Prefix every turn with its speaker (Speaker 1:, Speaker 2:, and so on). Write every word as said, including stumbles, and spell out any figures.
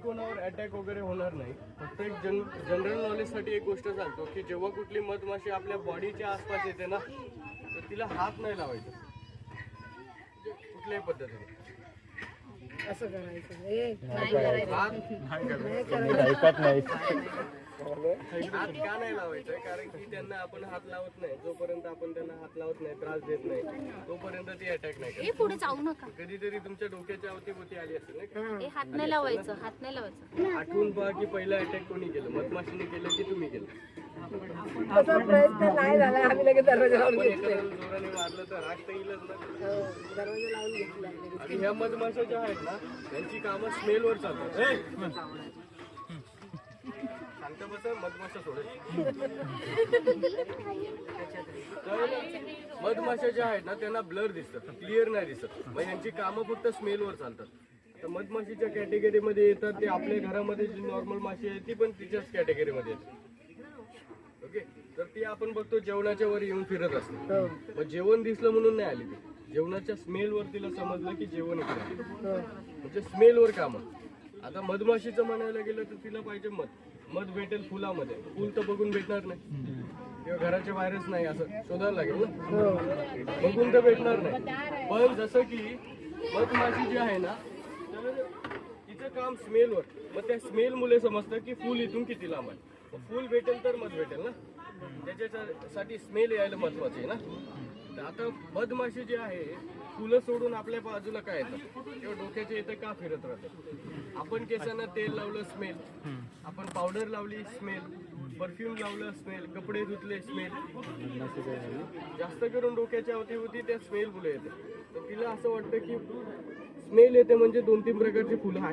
Speaker 1: कोणावर अटॅक वगैरे होणार नाही. फक्त एक जन जनरल नॉलेजसाठी एक गोष्ट सांगतो की जेव्हा कुठली मधमाशी आपल्या बॉडीच्या आसपास येते ना तर तिला हात नाही लावायचा म्हणजे कुठल्याही पद्धतीने.
Speaker 2: असं करायचं हे
Speaker 1: हात
Speaker 3: ऐकत नाही.
Speaker 1: हात का नाही लावायचं कारण की त्यांना आपण हात लावत नाही जोपर्यंत आपण त्यांना हात लावत नाही त्रास देत नाही तोपर्यंत ती अटॅक नाही करत.
Speaker 4: ए पुढे जाऊ नका.
Speaker 1: कधीतरी तुमच्या डोक्याच्या अवतीभोवती आली असेल नाही का?
Speaker 4: ए हात नाही लावायचं, हात नाही लावायचं.
Speaker 1: आठवून पहा की पहिला अटॅक कोणी केलं, मधमाशीने केलं की तुम्ही केलं?
Speaker 2: असा प्रयत्न नाही झाला. आम्ही लगेच दरवाजा लावून
Speaker 1: आपण
Speaker 2: घेतले.
Speaker 1: एखाद्याला जोराने मारलं तर राग तर येईलच ना.
Speaker 2: हो, दरवाजा लावून घेतला.
Speaker 1: आणि ह्या मधमाशा ज्या आहेत ना त्यांची कामं स्मेलवर चालतात. ए! सांगता बसं मधमाशा सोडेल. तर मधमाशा ज्या आहेत ना त्यांना ब्लर दिसतात, क्लिअर नाही दिसत. मग यांची कामं फक्त स्मेलवर चालतात. तर मधमाशीच्या कॅटेगरीमध्ये येतात ते आपल्या घरामध्ये जी नॉर्मल माशी आहे ती पण तिच्याच कॅटेगरीमध्ये येते. ओके, तर ती आपण बघतो जेवणाच्या वर येऊन फिरत असते. मग जेवण दिसलं म्हणून नाही आली ती, जेवणाच्या स्मेलवर तिला समजलं की जेवण इकडे आहे. म्हणजे स्मेलवर काम. आता मधमाशीचं म्हणायला गेलं तर तिला पाहिजे मध. मध भेटेल फुलामध्ये, फुल तर बघून भेटणार नाही किंवा घराच्या बाहेरच नाही असं शोधायला लागेल ना, बघून तर भेटणार नाही. पण जसं की मधमाशी जी आहे ना तर तिचं काम स्मेलवर. मग त्या स्मेल मुले समजतं की फुल इथून किती लांब आहे. फुल भेटेल तर मध भेटेल ना, त्याच्यासाठी स्मेल यायला महत्वाचे आहे ना. तर आता मधमाशी जी आहे फुलं सोडून आपल्या बाजूला काय येतं किंवा डोक्याच्या इथं का फिरत राहतं. आपण केसांना तेल लावलं स्मेल, आपण पावडर लावली स्मेल, परफ्यूम लावलं स्मेल, कपडे धुतले स्मेल. जास्त करून डोक्याच्या अवतीभोवती त्या स्मेल फुलं येते. तर तिला असं वाटतं की स्मेल येते म्हणजे दोन तीन प्रकारची फुलं आहेत.